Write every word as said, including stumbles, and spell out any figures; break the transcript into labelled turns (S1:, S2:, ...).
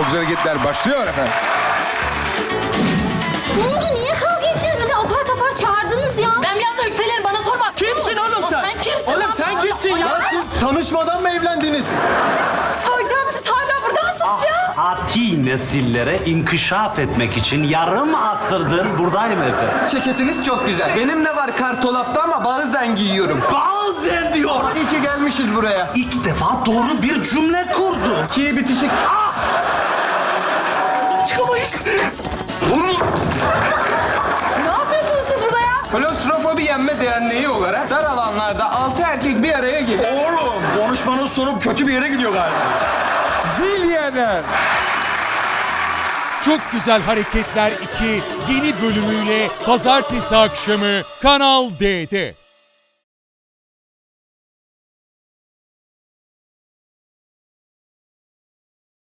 S1: Çok güzel hareketler başlıyor efendim.
S2: Ne oldu? Niye kavga ettiniz? Bizi apar topar çağırdınız ya.
S3: Ben bir anda yükselirim, bana sorma.
S4: Kimsin oğlum sen?
S3: Sen kimsin
S4: Oğlum
S3: lan?
S4: sen kimsin ya?
S5: Siz tanışmadan mı evlendiniz?
S2: Hocam siz hala burada mısınız ya?
S6: Ati nesillere inkişaf etmek için yarım asırdır buradayım efendim.
S4: Ceketiniz çok güzel. Benim de var kartolapta ama bazen giyiyorum.
S6: Bazen diyor.
S4: İyi ki gelmişiz buraya.
S6: İlk defa doğru bir cümle kurdu.
S4: İkiye bitişik. Ah!
S6: Çıkamayız.
S2: Ne yapıyorsunuz siz burada ya?
S4: Klostrofobi Yenme Derneği olarak dar alanlarda altı erkek bir araya geliyor.
S6: Oğlum konuşmanın sonu kötü bir yere gidiyor galiba.
S1: Zilyener.
S7: Çok Güzel Hareketler iki yeni bölümüyle pazartesi akşamı Kanal D'de.